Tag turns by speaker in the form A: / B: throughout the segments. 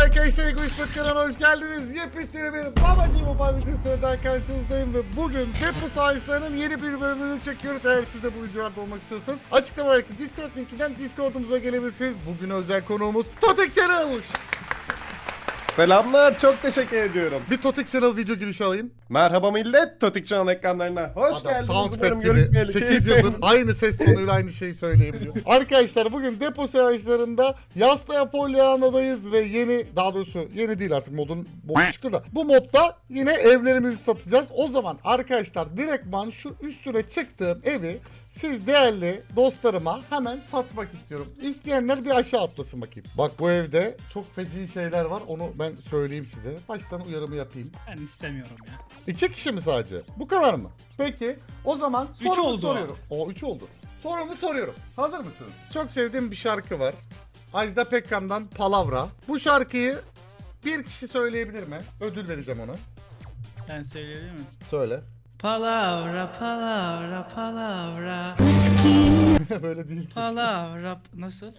A: arkadaşlar, Egoist kanalına hoş geldiniz. Yepyeni bir babacığım mobile videosuyla karşınızdayım ve bugün Depo Savaşları'nın yeni bir bölümünü çekiyoruz. Eğer siz de bu videolarda olmak istiyorsanız açıklamadaki Discord linkinden Discord'umuza gelebilirsiniz. Bugün özel konuğumuz Totek Channel.
B: Selamlar, çok teşekkür ediyorum.
A: Bir Totek Channel video girişi alayım.
B: Merhaba millet, Totik Channel ekranlarına hoş
A: Adam
B: geldiniz.
A: Soundpad gibi 8 yıldır aynı ses tonuyla aynı şeyi söyleyebiliyor. Arkadaşlar bugün Depo Savaşları'nda Yastaya Polyana'dayız ve daha doğrusu yeni değil artık, modun boku çıktı da. Bu modda yine evlerimizi satacağız. O zaman arkadaşlar direktman şu üstüne çıktığım evi siz değerli dostlarıma hemen satmak istiyorum. İsteyenler bir aşağı atlasın bakayım. Bak bu evde çok feci şeyler var, onu ben söyleyeyim size. Baştan uyarımı yapayım.
C: Ben istemiyorum ya.
A: 2 kişi mi sadece? Bu kadar mı? Peki o zaman
C: Üç
A: sorumu
C: oldu.
A: soruyorum. O 3 oldu. Sorumu soruyorum. Hazır mısınız? Çok sevdiğim bir şarkı var. Ajda Pekkan'dan Palavra. Bu şarkıyı bir kişi söyleyebilir mi? Ödül vereceğim ona.
C: Ben söyleyebilir miyim?
A: Söyle.
C: Palavra, palavra, palavra.
A: Böyle değil.
C: Palavra. Nasıl?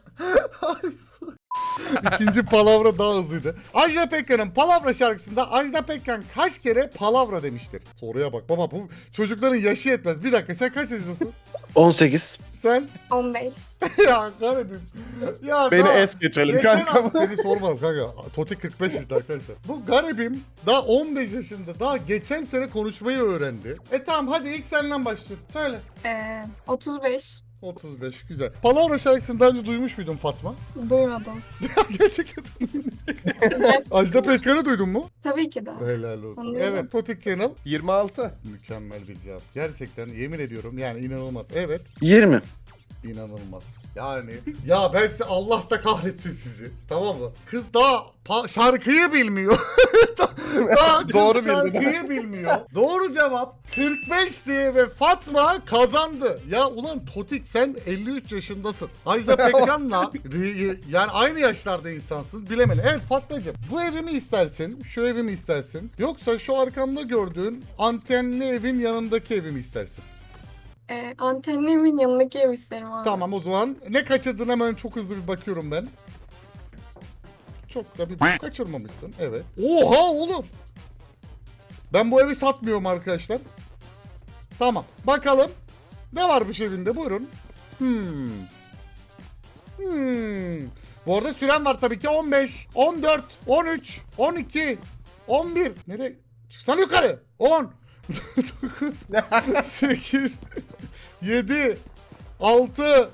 A: İkinci palavra daha hızlıydı. Ajda Pekkan'ın Palavra şarkısında Ajda Pekkan kaç kere palavra demiştir? Soruya bak baba, bu çocukların yaşı yetmez. Bir dakika, sen kaç yaşındasın?
D: 18.
A: Sen?
E: 15.
A: Ya kahretsin. Ya
B: Beni
A: daha-
B: es geçelim
A: Geçen
B: kanka.
A: hafta seni sormadım kanka. Toti 45 yaşında arkadaşlar. Bu garibim daha 15 yaşında, daha geçen sene konuşmayı öğrendi. Tamam, hadi ilk senden başlıyorum. Söyle.
E: 35.
A: 35, güzel. Palavra şarkısını daha önce duymuş muydun Fatma?
E: Duymadım.
A: Gerçekten. Ajda Pekkan'ı duydun mu?
E: Tabii ki de.
A: Helal olsun.
E: Anlıyorum.
A: Evet, Totik Channel.
B: 26.
A: Mükemmel bir cevap. Gerçekten yemin ediyorum, yani inanılmaz. Evet,
D: 20.
A: inanılmaz. Yani ya ben size, Allah da kahretsin sizi. Tamam mı? Kız daha şarkıyı bilmiyor. daha kız
B: Doğru bildin.
A: şarkıyı bilmiyor. Doğru cevap 45'ti ve Fatma kazandı. Ya ulan Totik, sen 53 yaşındasın. Ajda Pekkan'la yani aynı yaşlarda insansın, bilemedin. Evet Fatmacığım, bu evi mi istersin? Şu evi mi istersin? Yoksa şu arkamda gördüğün antenli evin yanındaki evi mi istersin?
E: Antennemin yanındaki ev isterim abi.
A: Tamam, o zaman ne kaçırdın, hemen çok hızlı bir bakıyorum ben. Çok da bir kaçırmamışsın, evet. Oha oğlum. Ben bu evi satmıyorum arkadaşlar. Tamam, bakalım ne varmış evinde, buyurun. Bu arada süren var tabii ki. 15, 14, 13, 12, 11. Nereye? Çıksana yukarı. 10, 9, 8, 7, 6,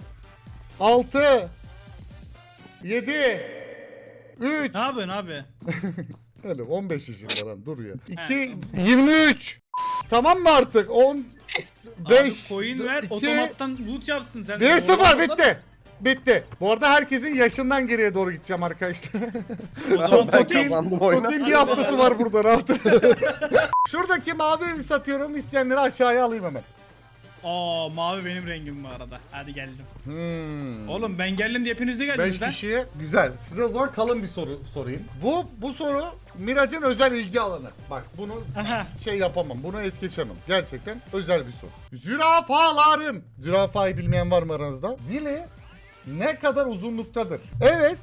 A: 7, 3.
C: Ne yapıyorsun abi?
A: Öyle 15 yaşında lan, dur ya. 2, 23. Tamam mı artık? 10, 5,
C: Abi coin ver,
A: 2,
C: otomattan loot yapsın sen.
A: 1-0 bitti. Bitti. Bu arada herkesin yaşından geriye doğru gideceğim arkadaşlar.
C: O zaman
B: Ben
C: Totin.
B: kazandım oyunu.
A: Totin bir haftası var burada, rahat. Şuradaki mavi evi satıyorum. İsteyenleri aşağıya alayım hemen.
C: Aa, mavi benim rengim bu arada. Hadi geldim.
A: Hmm.
C: Oğlum ben geldim diye hepiniz de geldiniz
A: 5
C: lan.
A: kişiye güzel. Size o zaman kalın bir soru sorayım. Bu soru Miraç'ın özel ilgi alanı. Bak bunu
C: Aha.
A: şey yapamam. Bunu es geçemem. Gerçekten özel bir soru. Zürafaların. Zürafayı bilmeyen var mı aranızda? Dili ne kadar uzunluktadır? Evet.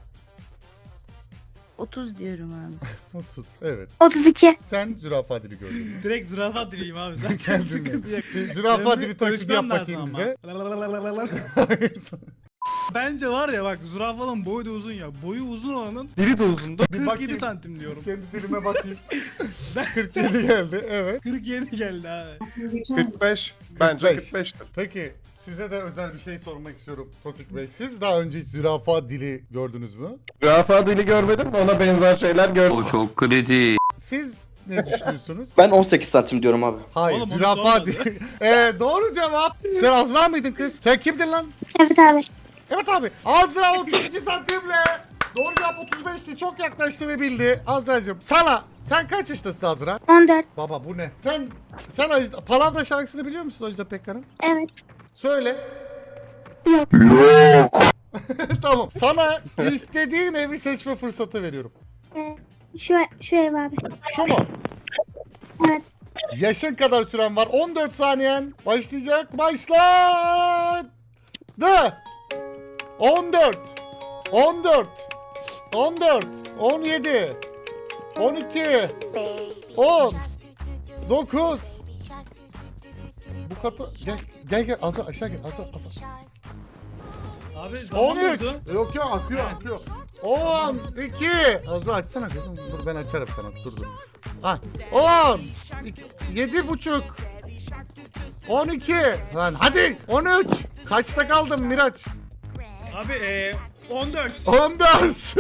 F: 30 diyorum abi.
A: 30. Evet.
F: 32.
A: Sen zürafa dili gördün.
C: Direkt zürafa dileyim abi zaten
A: Kendin
C: sıkıntı yok.
A: Bir zürafa
C: Ben
A: dili
C: bir
A: taklidi yap
C: konuşmam
A: bakayım
C: lazım
A: bize.
C: ama. Bence var ya bak, zürafanın boyu da uzun ya. Boyu uzun olanın dili de uzundu.
A: Bir
C: 47
A: bakayım.
C: santim diyorum.
A: Kendi dilime bakayım. 47 geldi. Evet.
C: 47 geldi abi.
B: 45. Bence
A: 45.
B: 45'tir.
A: Peki size de özel bir şey sormak istiyorum Totik Bey. Siz daha önce hiç zürafa dili gördünüz mü?
B: Zürafa dili görmedim, ona benzer şeyler gördüm.
G: O çok kritik.
A: Siz ne düşünüyorsunuz?
D: Ben 18 santim diyorum abi.
A: Hayır,
C: Oğlum onu
A: zürafa
C: sormadı.
A: dili. Doğru cevap. Sen Azra mıydın kız? Sen kimdin lan?
F: Evet abi.
A: Evet abi. Azra 32 santimle. Doğru cevap 35'ti. Çok yaklaştı ve bildi. Azra'cığım sen kaç yaşındasın Azra?
F: 14.
A: Baba bu ne? Sen Palavra şarkısını biliyor musun Ajda Pekkan'ın?
F: Evet.
A: Söyle.
F: Yok.
A: Tamam. Sana istediğin evi seçme fırsatı veriyorum.
F: Şu ev abi.
A: Şu mu?
F: Evet.
A: Yaşın kadar süren var. 14 saniyen. Başlayacak. Başladı. 14. 14. 14, 17, 12, 10, 9. Bu katı gel Azra aşağı gel Azra.
C: Abi zaman
A: 13.
C: oldu.
A: Yok akıyor. 12. Azra açsana kızım. Dur ben açarım sana. Dur. Ha. 10. 7,5. 12. Lan hadi 13. Kaçta kaldın Miraç?
C: Abi 14.
A: 14.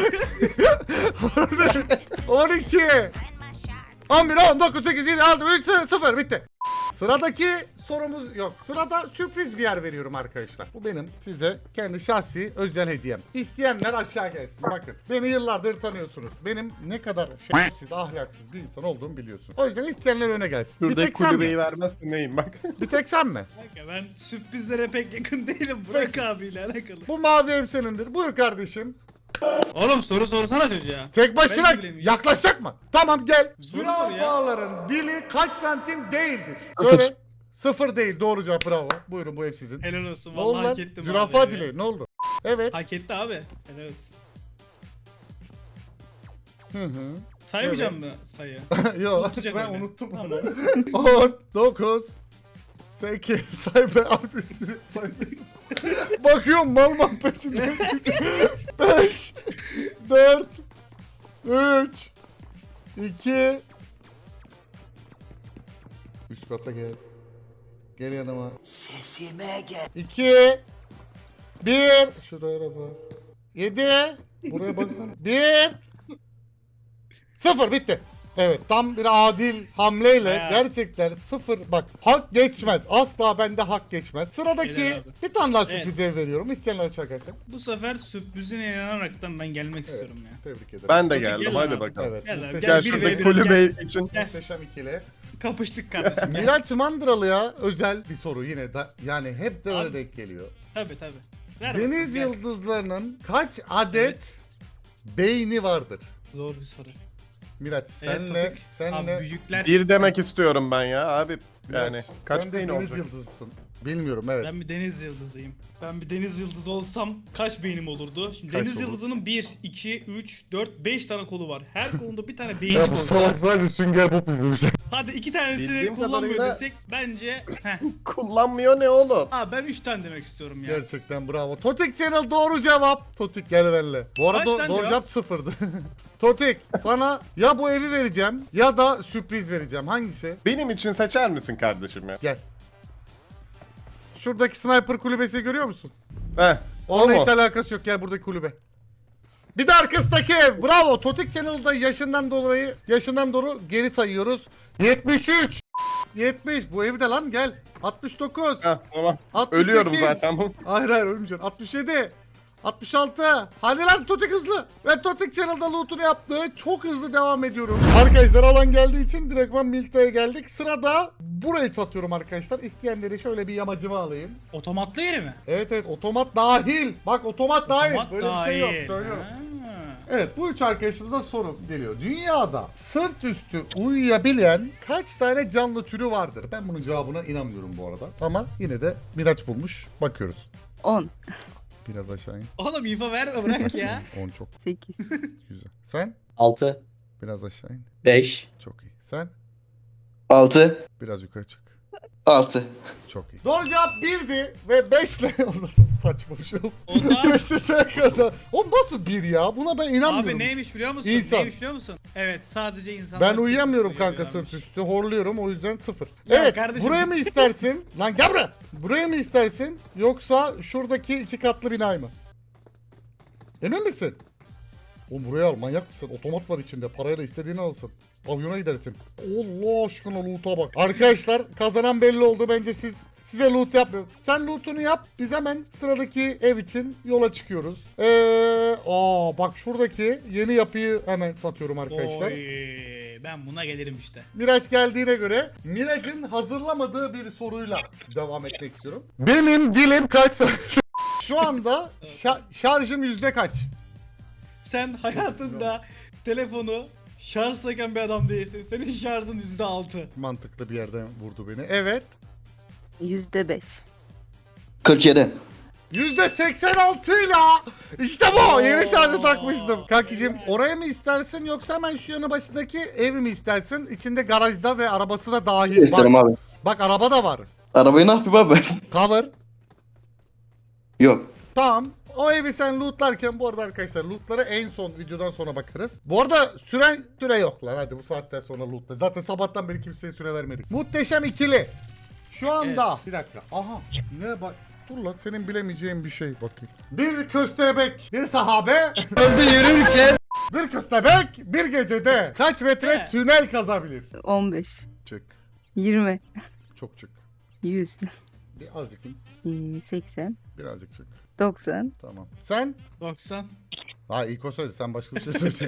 A: 12. 11, 10, 9, 8, 7, 6, 3, 0 bitti. Sıradaki sorumuz yok. Sırada sürpriz bir yer veriyorum arkadaşlar. Bu benim size kendi şahsi özel hediyem. İsteyenler aşağı gelsin. Bakın beni yıllardır tanıyorsunuz. Benim ne kadar şerefsiz, ahlaksız bir insan olduğumu biliyorsun. O yüzden isteyenler öne gelsin. Bir
B: Şuradaki
A: tek sen
B: kulübeyi
A: mi?
B: vermezsin neyim bak.
A: Bir tek sen mi?
C: Kanka ben sürprizlere pek yakın değilim. Burak abiyle alakalı.
A: Bu mavi ev senindir. Buyur kardeşim.
C: Oğlum soru sorsana çocuğa.
A: Tek başına
C: Ben de bilemiyorum.
A: yaklaşacak mı? Tamam gel.
C: Soru sor ya.
A: Zürafaların dili kaç santim değildir? Söyle. 0 değil. Doğru cevap bravo. Buyurun bu ev sizin.
C: Helal olsun
A: Ne oldu
C: vallahi
A: lan?
C: hak ettim
A: Zürafa
C: abi.
A: dili ne oldu? Evet.
C: Hak etti abi. Helal olsun.
A: Hı hı.
C: Saymayacağım mı sayı?
A: Yok
C: Unutacak
A: ben
C: öyle.
A: unuttum
C: Tamam.
A: onu. 10, 9, 8, say be abi süre say. Bakıyorum mal peşinde. 5, 4, 3, 2, üst kata gel. Gel yanıma. Sesime gel. 2, 1, şuraya bak. 7, buraya baksana. 1, 0 bitti. Evet tam bir adil hamleyle
C: Ya.
A: gerçekten 0 bak hak geçmez. Asla bende hak geçmez. Sıradaki
C: Helal abi.
A: bir tane daha
C: Evet.
A: sürpriz ev veriyorum. İsteyenler çakarsan.
C: Bu sefer sürprizine inanaraktan ben gelmek istiyorum ya.
A: Tebrik ederim.
B: Ben de
C: Peki,
B: geldim
C: gel
B: hadi
C: abi.
B: bakalım.
A: Evet.
C: Gel abi,
A: muhteşem,
C: gel,
B: Gel
C: bir
B: şuradaki
C: ve bir,
B: kulübe için.
A: muhteşem ikili.
C: Kapıştık kardeşim. Gel.
A: Miraç Mandıralı'ya özel bir soru yine da yani hep de öyle
C: Abi.
A: denk geliyor.
C: Tabii tabii. Ver
A: Deniz
C: bakalım, gelsin.
A: yıldızlarının kaç adet beyni vardır?
C: Zor bir soru.
A: Miraç
C: Evet,
A: senle
C: Tofik. Abi
A: senle
C: büyükler.
B: Bir demek istiyorum ben ya abi. Yani
A: Miraç,
B: kaç
A: sen de
B: beyin
A: deniz
B: olacak?
A: yıldızısın. Bilmiyorum evet.
C: Ben bir deniz yıldızıyım. Ben bir deniz yıldızı olsam kaç beynim olurdu? Şimdi
A: Kaç
C: deniz
A: olur?
C: yıldızının 1, 2, 3, 4, 5 tane kolu var. Her kolunda bir tane beyin
A: Ya bu
C: olsa.
A: salak sadece sünger Bob izlemiş.
C: Hadi 2 tanesini
B: Bildiğim
C: kullanmıyor
B: kadarıyla-
C: desek bence. Heh.
B: Kullanmıyor ne oğlum?
C: Aa ben 3 tane demek istiyorum ya.
A: Gerçekten bravo. Totik Channel doğru cevap. Totik gel benimle. Bu arada
C: Kaç tane
A: doğru
C: cevap?
A: cevap sıfırdı. Totik sana ya bu evi vereceğim ya da sürpriz vereceğim. Hangisi?
B: Benim için seçer misin kardeşim ya?
A: Gel. Şuradaki sniper kulübesi görüyor musun?
B: Heh.
A: Onunla
B: o
A: hiç
B: mu?
A: alakası yok. Gel buradaki kulübe. Bir de arkasındaki ev. Bravo. Totik Channel'da yaşından doğru geri sayıyoruz. 73. 70. Bu evi de lan gel. 69.
B: Heh, tamam.
A: 68.
B: Ölüyorum zaten.
A: Hayır ölmeyeceksin. 67. 66. Hadi lan Totik hızlı. Ve Totik Channel'da loot'unu yaptı. Çok hızlı devam ediyorum. Arkadaşlar alan geldiği için direktman Milta'ya geldik. Sırada burayı satıyorum arkadaşlar. İsteyenleri şöyle bir yamacıma alayım.
C: Otomatlı yeri mi?
A: Evet otomat dahil. Bak otomat dahil.
C: Otomat
A: Böyle bir şey yok
C: dahil.
A: söylüyorum.
C: Ha.
A: Evet bu üç arkadaşımıza soru geliyor. Dünyada sırt üstü uyuyabilen kaç tane canlı türü vardır? Ben bunun cevabına inanmıyorum bu arada. Ama yine de Miraç bulmuş. Bakıyoruz.
F: 10,
A: Biraz aşağı in.
C: Oğlum info verme bırak ya.
A: 10 çok
F: 8,
A: güzel. Sen?
G: 6,
A: Biraz aşağı in.
G: 5,
A: Çok iyi. Sen?
D: 6.
A: Biraz yukarı çık.
D: 6.
A: Çok iyi. Doğru cevap 1'di ve 5 ile o nasıl bir saçma şey oldu?
C: Onlar
A: 5'te sen kazan. O nasıl 1 ya? Buna ben inanmıyorum.
C: abi neymiş biliyor musun?
A: İnsan.
C: Neymiş biliyor musun? Evet sadece insanlar.
A: Ben
C: sırt
A: uyuyamıyorum
C: üstü
A: kanka
C: uyuyorlarmış.
A: sırt üstü. Horluyorum o yüzden 0.
C: Ya
A: Evet
C: kardeşim-
A: buraya mı istersin? Lan gel buraya. Buraya mı istersin? Yoksa şuradaki 2 katlı binayı mı? Emin misin? Oğlum buraya al manyak mısın? Otomat var içinde parayla istediğini alsın. Pavyona gidersin. Allah aşkına loot'a bak. Arkadaşlar kazanan belli oldu bence size loot yapmıyorum. Sen loot'unu yap biz hemen sıradaki ev için yola çıkıyoruz. Bak şuradaki yeni yapıyı hemen satıyorum arkadaşlar.
C: Oy, ben buna gelirim işte.
A: Miraç geldiğine göre Miraç'ın hazırlamadığı bir soruyla devam etmek istiyorum. Benim dilim kaç Şu anda şarjım yüzde kaç?
C: Sen hayatında telefonu şarj takan bir adam değilsin. Senin şarjın %6.
A: Mantıklı bir yerden vurdu beni. Evet.
F: %5,
D: 47.
A: %86 ile işte bu. Yeni şarjı takmıştım. Kankicim oraya mı istersin yoksa hemen şu yanı başındaki evi mi istersin? İçinde garajda ve arabası da dahil.
D: İsterim abi.
A: Bak araba da var.
D: Arabayı ne yapayım abi?
A: Cover.
D: Yok.
A: Tamam. O evi sen lootlarken bu arada arkadaşlar lootlara en son videodan sonra bakarız. Bu arada süre yok lan, hadi bu saatten sonra lootla. Zaten sabahtan beri kimseye süre vermedik. Muhteşem ikili. Şu anda.
C: Evet.
A: Bir dakika. Aha. Ne bak. Dur lan senin bilemeyeceğin bir şey bakayım. Bir köstebek, bir sahabe. Öldü yürürken. Bir köstebek bir gecede kaç metre
C: Evet.
A: tünel kazabilir?
F: 15,
A: Çık.
F: 20,
A: Çok çık.
F: 100,
A: Bir azıcık in.
F: 80,
A: Birazcık çık.
F: 90,
A: Tamam. Sen?
C: 90.
A: Ha ilk o söyle, sen başka bir şey söyle.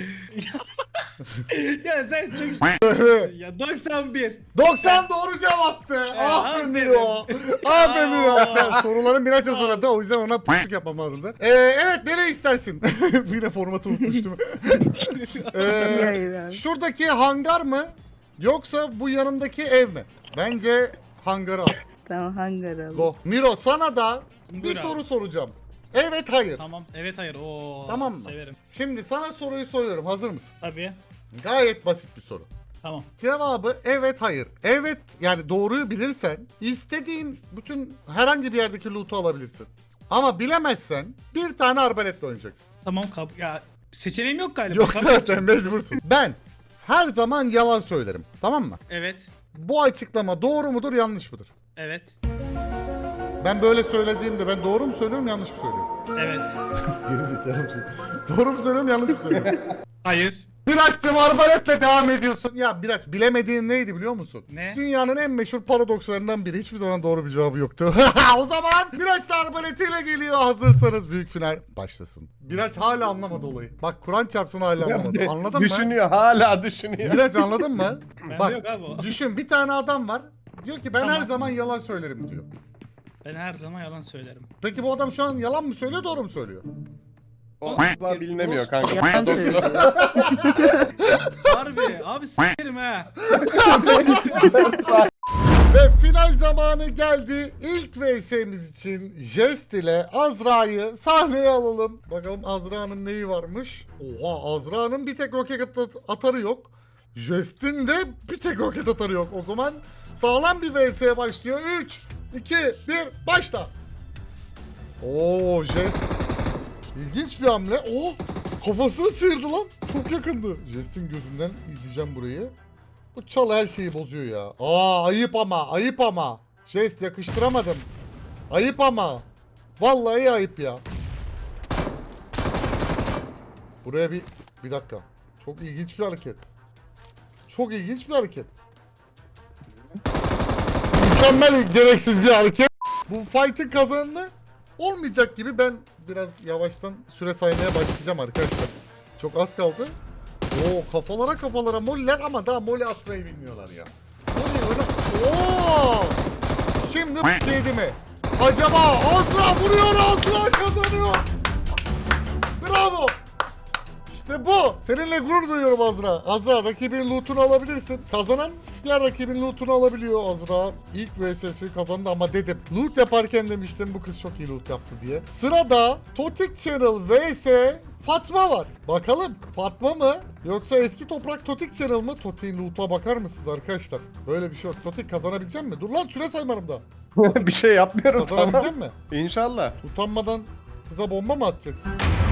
C: Ya sen çok ya 91.
A: 90 doğru cevaptı. Aferin o. Aferin o. Sen soruların biraz hazırladı. O yüzden ona pusluk yapmam lazımdı. Evet nereye istersin? Yine formatı unutmuştum.
F: Hayır abi.
A: Şuradaki hangar mı? Yoksa bu yanındaki ev mi? Bence hangarı al.
F: Tamam hangar alalım.
A: Go. Miro sana da bir
C: Buyur abi.
A: soru soracağım. Evet hayır.
C: Tamam. Evet hayır. Oo.
A: Tamam mı?
C: Severim.
A: Şimdi sana soruyu soruyorum. Hazır mısın?
C: Tabii.
A: Gayet basit bir soru.
C: Tamam.
A: Cevabı evet hayır. Evet yani doğruyu bilirsen istediğin bütün herhangi bir yerdeki loot'u alabilirsin. Ama bilemezsen bir tane arbaletle oynayacaksın.
C: Tamam ya seçeneğim yok galiba.
A: Yok
C: Kabul
A: zaten mecbursun. Ben her zaman yalan söylerim. Tamam mı?
C: Evet.
A: Bu açıklama doğru mudur yanlış mıdır?
C: Evet.
A: Ben böyle söylediğimde ben doğru mu söylüyorum yanlış mı söylüyorum?
C: Evet.
A: Gerizekalı çocuk. Doğru mu söylüyorum yanlış mı söylüyorum?
C: Hayır.
A: Miraç'cığım arbaletle devam ediyorsun. Ya Miraç bilemediğin neydi biliyor musun?
C: Ne?
A: Dünyanın en meşhur paradokslarından biri. Hiçbir zaman doğru bir cevabı yoktu. O zaman Miraç da arbaletiyle geliyor. Hazırsanız büyük final başlasın. Miraç hala anlamadı olayı. Bak Kur'an çarpsın hala anlamadı. Anladın mı?
B: Düşünüyor, hala düşünüyor.
A: Miraç anladın mı?
C: Bende
A: Bak
C: yok abi o.
A: düşün bir tane adam var. Diyor ki ben
C: Tamam.
A: her zaman yalan söylerim diyor.
C: Ben her zaman yalan söylerim.
A: Peki bu adam şu an yalan mı söylüyor doğru mu söylüyor?
B: O asla bilinemiyor kanka.
F: Yalan söylüyor.
C: Harbi. Abi s**erim ha.
A: Ve final zamanı geldi. İlk VS'miz için Jest ile Azra'yı sahneye alalım. Bakalım Azra'nın neyi varmış? Oha Azra'nın bir tek roket atarı yok. Jest'in de bir tek roket atarı yok. O zaman sağlam bir VS başlıyor. 3, 2, 1 başla. Oo Jest. İlginç bir hamle. Oh kafasını sıyırdı lan. Çok yakındı. Jest'in gözünden izleyeceğim burayı. Bu çal her şeyi bozuyor ya. Ayıp ama ayıp ama. Jest yakıştıramadım. Ayıp ama. Vallahi ayıp ya. Buraya bir dakika. Çok ilginç bir hareket. Çok ilginç bir hareket. Mükemmel gereksiz bir hareket. Bu fight'ın kazananı olmayacak gibi, ben biraz yavaştan süre saymaya başlayacağım arkadaşlar. Çok az kaldı. Oo kafalara moller ama daha moli atmayı bilmiyorlar ya. Moli öyle... Oo! Şimdi yedi mi? Acaba Azra vuruyor, Azra kazanıyor. Bravo. İşte bu. Seninle gurur duyuyorum Azra. Azra rakibinin loot'unu alabilirsin. Kazanan diğer rakibin loot'unu alabiliyor Azra. İlk VS'si kazandı ama dedim. Loot yaparken demiştim bu kız çok iyi loot yaptı diye. Sırada Totik Channel vs Fatma var. Bakalım Fatma mı yoksa eski toprak Totik Channel mı? Totik'in loot'a bakar mısınız arkadaşlar? Böyle bir şey yok. Totik kazanabilecek mi? Dur lan süre saymarım da.
B: Bir şey yapmıyorum tamam.
A: Kazanabilecek mi?
B: İnşallah.
A: Utanmadan kıza bomba mı atacaksın?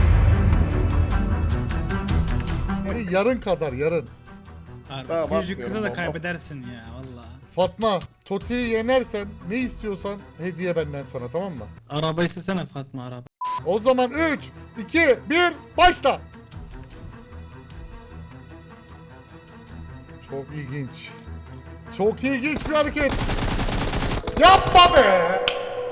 A: Yani yarın kadar yarın.
C: Abi
B: Tamam,
C: küçücük
B: atmıyorum
C: kıza da
B: baba.
C: kaybedersin ya valla.
A: Fatma, Toti'yi yenersen ne istiyorsan hediye benden sana, tamam mı?
C: Araba istesene Fatma araba.
A: O zaman 3, 2, 1 başla. Çok ilginç. Çok ilginç bir hareket. Yapma be.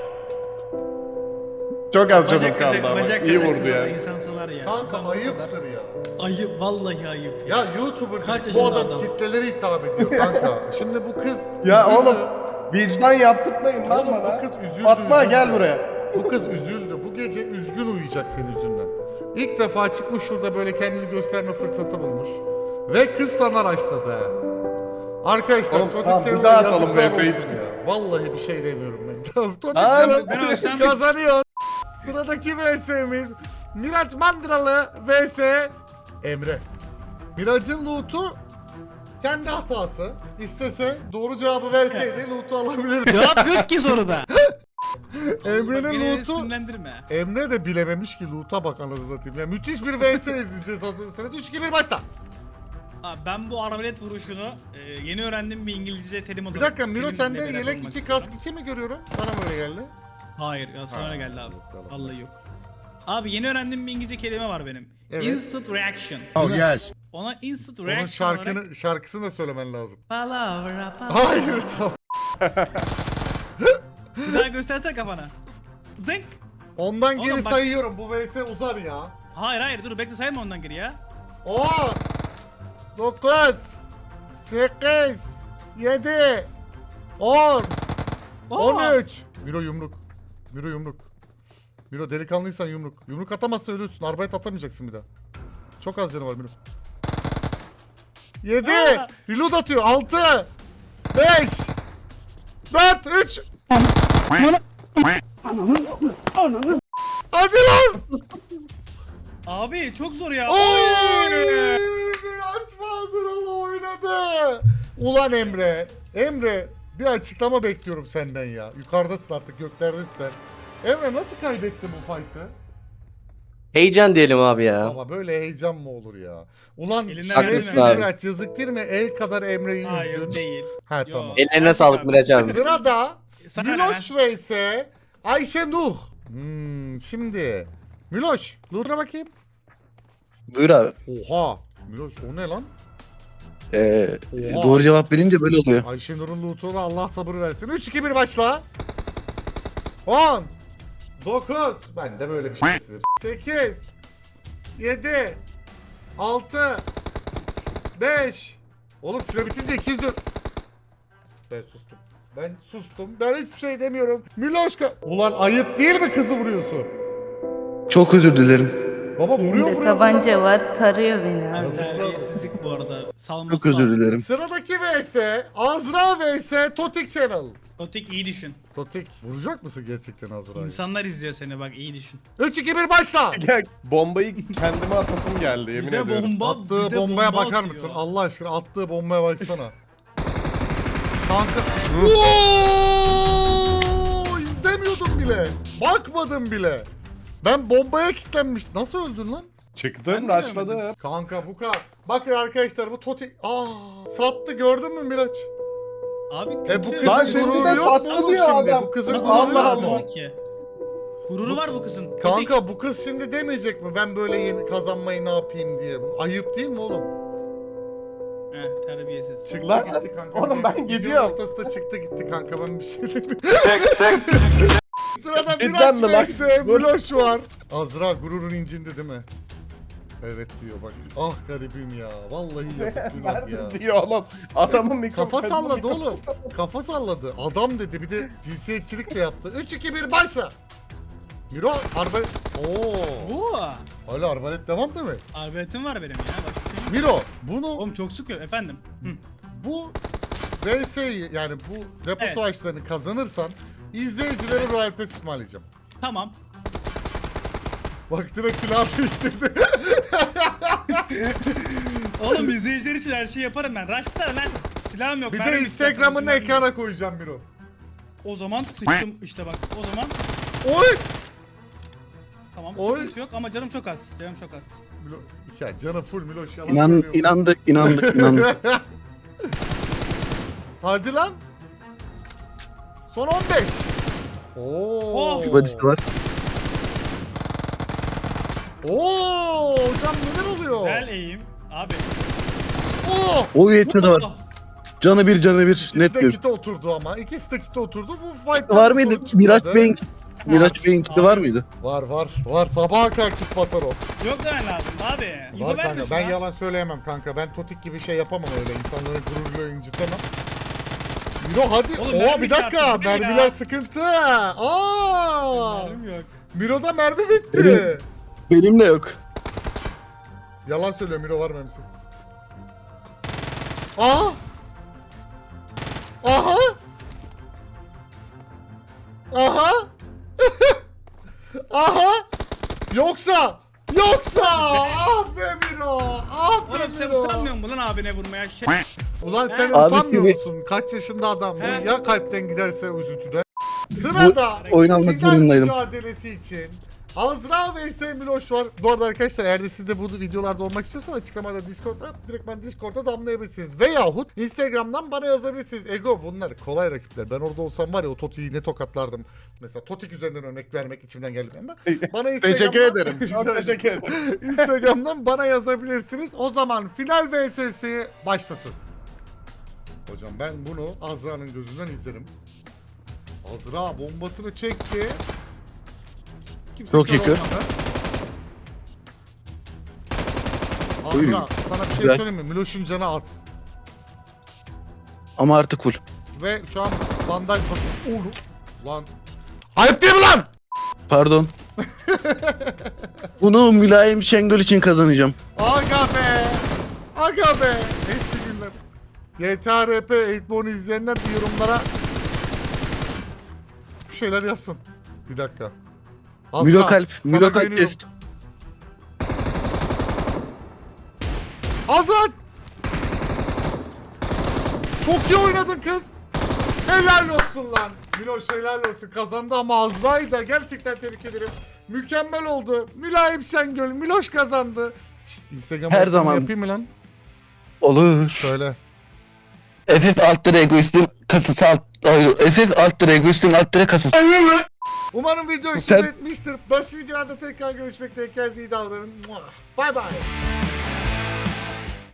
B: Çok az canım
C: Bacak
B: kaldı
C: kadar,
B: ama.
C: bacak
B: İyi
C: kadar
B: vurdu
C: kıza da
B: ya.
C: insan salar ya.
A: Kanka
C: Ben bu kadar-
A: ayıptır ya.
C: Ayıp vallahi ayıp ya.
A: Ya YouTuber
C: Kaç
A: bu
C: yaşında
A: adam
C: adam?
A: kitlelere hitap ediyor kanka. Şimdi bu kız
B: Ya
A: üzüldü.
B: oğlum vicdan yaptırmayın lan
A: Oğlum
B: bana.
A: bu kız üzüldü.
B: Fatma
A: üzüldü.
B: gel buraya.
A: Bu kız üzüldü. Bu gece üzgün uyuyacak senin yüzünden. İlk defa çıkmış şurada böyle kendini gösterme fırsatı bulmuş. Ve kız sana raşladı ha. Arkadaşlar
B: Oğlum,
A: Totik
B: tamam, bir
A: Channel'a
B: daha atalım
A: yazıklar
B: VS'yi.
A: olsun ya. Vallahi bir şey demiyorum ben. Totik
B: Abi,
A: Channel
C: ben ölsem-
A: kazanıyor. Sıradaki VS'miz Miraç Mandıralı vs Emre. Miraç'ın loot'u kendi hatası. İstese doğru cevabı verseydi loot'u alabilirdi.
C: Cevap yok ki soruda.
A: Emre'nin
C: Beni
A: loot'u
C: sinirlendirme.
A: Emre de bilememiş ki loot'a bak anasını satayım. Ya müthiş bir VS izleyeceğiz hazırsanız. 3-2-1 başla.
C: Abi ben bu arbalet vuruşunu yeni öğrendiğim bir İngilizce terim olarak.
A: Bir dakika Miro
C: terimle
A: sende
C: beraber
A: yelek
C: olmak
A: 2
C: istiyorum.
A: kask 2 mi görüyorum? Bana mı öyle geldi?
C: Hayır ya sana öyle geldi abi.
A: Tamam.
C: Vallahi yok. Abi yeni öğrendiğim bir İngilizce kelime var benim.
A: Evet.
C: Instant reaction.
G: Oh yes.
C: Ona instant
A: Onun
C: reaction olarak
A: şarkısını da söylemen lazım.
C: palavra palavra.
A: Hayır tamam.
C: Bir daha göstersene kafana. Zınk.
A: Ondan
C: Oğlum
A: geri
C: bak-
A: sayıyorum. Bu VS uzar ya.
C: Hayır dur bekle sayma ondan geri ya.
A: 10 9 8 7 10
C: Oo.
A: 13 Miro yumruk. Miro yumruk. Miro delikanlıysan yumruk. Yumruk atamazsan ölürsün. Arbayet atamayacaksın bir daha. Çok az canı var Miro. 7
C: Aa.
A: Reload atıyor. 6 5 4 3 Hadi lan!
C: Abi çok zor ya.
A: Oy! Miraç Mandıralı oynadı. Ulan Emre. Emre bir açıklama bekliyorum senden ya. Yukarıdasın artık göklerdesin sen. Emre nasıl kaybettin bu fight'ı?
H: Heyecan diyelim abi ya.
A: Ama böyle heyecan mı olur ya? Ulan
C: Elinden
A: şerefsiz
H: gelmedi.
A: Miraç yazık değil mi? El kadar Emre'yi
C: Hayır
A: yüzdün.
C: değil.
A: Ha
C: Yo.
A: tamam.
H: Ellerine sağlık Miraç abi.
A: Sırada
C: Sana ne
A: Miloş vs Ayşe Nuh. Şimdi Miloş, Nur'a bakayım.
G: Buyur abi.
A: Oha. Miloş o ne lan? Oha.
G: Doğru cevap verince böyle oluyor.
A: Ayşe Nur'un loot'una Allah sabır versin. 3-2-1 başla. 10 9 ben de böyle bir şey sizim. 8 7 6 5 Oğlum süre bitince 2 4 Ben sustum. Ben sustum. Ben hiçbir şey demiyorum. Miloşka. Ulan ayıp değil mi kızı vuruyorsun?
G: Çok özür dilerim.
A: Baba vuruyor
F: Elinde
A: vuruyor.
F: tabanca
A: vuruyor.
F: var tarıyor beni abi.
A: Yazıklar olsun.
C: Terbiyesizlik bu arada. Salması
G: Çok özür dilerim.
A: Sıradaki vs Azra vs Totik Channel.
C: Otik iyi düşün.
A: Totik vuracak mısın gerçekten Azra'yı?
C: İnsanlar izliyor seni bak iyi düşün.
A: 3-2-1 başla.
B: Gel, bombayı kendime atasım geldi yemin
C: Bir de
B: ediyorum.
C: bomba.
A: Attığı
C: bir de
A: bombaya
C: bomba
A: bakar
C: atıyor.
A: mısın? Allah aşkına attığı bombaya baksana. Kanka. Oo! İzlemiyordum bile. Bakmadım bile. Ben bombaya kilitlenmiş. Nasıl öldün lan?
B: Çıktım,
C: Ben de
B: rushladım.
A: Kanka bu kadar. Bakın arkadaşlar bu Totik. Sattı gördün mü Miraç?
C: Abi
A: Bu
C: kötü.
B: Lan
A: kızın
B: şimdi
A: gururu
B: de
A: yok mu
B: sattı
A: oğlum
B: diyor
A: şimdi?
B: adam.
A: Bu kızın
C: Bak,
A: gururu
B: Allah
A: yok
B: Allah.
A: mu?
C: Ki. Gururu var bu kızın. Otik.
A: Kanka bu kız şimdi demeyecek mi? Ben böyle yeni kazanmayı ne yapayım diye. Ayıp değil mi oğlum?
C: Terbiyesiz.
A: Çıktı
B: Lan,
A: gitti kanka.
B: oğlum ben
A: Videonun
B: gidiyorum.
A: ortasında çıktı gitti kanka ben bir şey demiyorum.
D: Çek.
A: Sırada
B: Cidden
A: Miraç
B: mi lan?
A: vs Miloş var. Azra gururun incindi değil mi? Evet diyor bak. Ah garibim ya. Vallahi yazık günah ya.
B: Verdim diyor oğlum. Adamın mikrofonu.
A: Kafa salladı oğlum. Kafa salladı. Adam dedi bir de cinsiyetçilik de yaptı. 3-2-1 başla. Miro arbalet. Oo.
C: Bu.
A: Hala arbalet devam değil mi?
C: Arbaletim var benim ya. Bak bir şey.
A: Miro bunu
C: Oğlum çok sıkıyor efendim. Hı.
A: bu VS'yi yani bu depo
C: Evet.
A: savaşlarını kazanırsan izleyicilere Royal Pass ısmarlayacağım.
C: Tamam.
A: Bak direkt silah değiştirdi.
C: Oğlum izleyiciler için her şeyi yaparım ben. Rush'sana lan. Silahım yok.
A: Bir de
C: mermim
A: Instagram'ını
C: yok, silahım yok.
A: ekrana koyacağım Miro.
C: O zaman sıçtım işte bak. O zaman
A: Oy!
C: tamam
A: Oy.
C: sıkıntı yok ama canım çok az. Canım çok az.
A: Milo, ya canı full Miloş yalan söylüyor.
G: İnandık.
A: Hadi lan. Son 15. Oo.
C: Oh.
G: Badisi var.
A: Oo, hocam neler oluyor?
C: Güzel eğim. Abi.
A: Oo.
G: O yetmedi var.
C: Oh.
G: Canı bir.
A: İkisi
G: Net
A: de
G: bir.
A: kite oturdu ama. İkisi de kite oturdu. Bu fight'ta
G: Var
A: bir
G: mıydı?
A: sonuç çıkmadı.
G: Miraç Bey'in kiti var mıydı?
A: Var. Sabaha kadar kit basar o.
C: Yok demen lazım abi. İbo
A: Var
C: verme
A: kanka.
C: şuna.
A: Ben yalan söyleyemem kanka. Ben Totik gibi şey yapamam öyle. İnsanların gururuyla incitemem. Miro hadi.
C: Oğlum,
A: Oo
C: mermi
A: bir dakika.
C: çarptı, bu ne
A: Mermiler
C: ya?
A: sıkıntı. Aa!
C: Mermim yok.
A: Miro'da mermi bitti.
G: Benim de yok.
A: Yalan söylüyor Miro var mermisi. Aha! Aha! Aha! Aha! Yoksa ah be Miro, ah be
C: Oğlum sen
A: Miro.
C: utanmıyor musun lan abine vurmaya?
A: Ulan sen
G: Abi
A: utanmıyor
G: şimdi-
A: musun? Kaç yaşında adam bu?
C: He.
A: Ya kalpten giderse üzüntüde. Sırada
G: oyun almak
A: final
G: zorundaydım.
A: mücadelesi için Azra vs Miloş var. Bu arada arkadaşlar eğer de siz de bu videolarda olmak istiyorsanız açıklamada Discord var. Direkt ben Discord'da damlayabilirsiniz. Veyahut Instagram'dan bana yazabilirsiniz. Ego bunlar kolay rakipler. Ben orada olsam var ya o Toti'yi ne tokatlardım. Mesela Totik üzerinden örnek vermek içimden geldi ama. Bana Instagram'dan...
B: Teşekkür ederim. Çok teşekkür ederim.
A: Instagram'dan bana yazabilirsiniz. O zaman final vs'si başlasın. Hocam ben bunu Azra'nın gözünden izlerim. Azra bombasını çekti. Kimse
G: Çok
A: kör
G: yakın.
A: olmadı.
G: Oy.
A: Azra sana bir şey
G: Güzel.
A: söyleyeyim mi? Miloş'un canı az.
G: Ama artık full.
A: Ve şu an bandaj bak. Oğlum. Lan. Ayıp değil mi lan?
G: Pardon. Bunu Mülayim Şengül için kazanacağım.
A: Aga be. Aga be. Eski günler. GTA RP 8born'u izleyenler bir yorumlara bir şeyler yazsın. Bir dakika. Azra,
G: Milo kalp.
A: sana
G: Milo kalp
A: güveniyorum.
G: test.
A: Azra! Çok iyi oynadın kız. Helal olsun lan. Miloş helal olsun. Kazandı ama Azra'yı da gerçekten tebrik ederim. Mükemmel oldu. Mülayim Şengül. Miloş kazandı. Instagram
G: Her
A: reklamı
G: zaman.
A: yapayım mı lan?
G: Olur.
A: Söyle.
G: FF alt tere egoistin kasası alt... FF alt tere egoistin alt tere kasası.
A: Umarım video hoşunuza
G: Sen-
A: etmiştir. Başka videolarda tekrar görüşmek dileğiyle. Kendinize iyi davranın. Bye bye.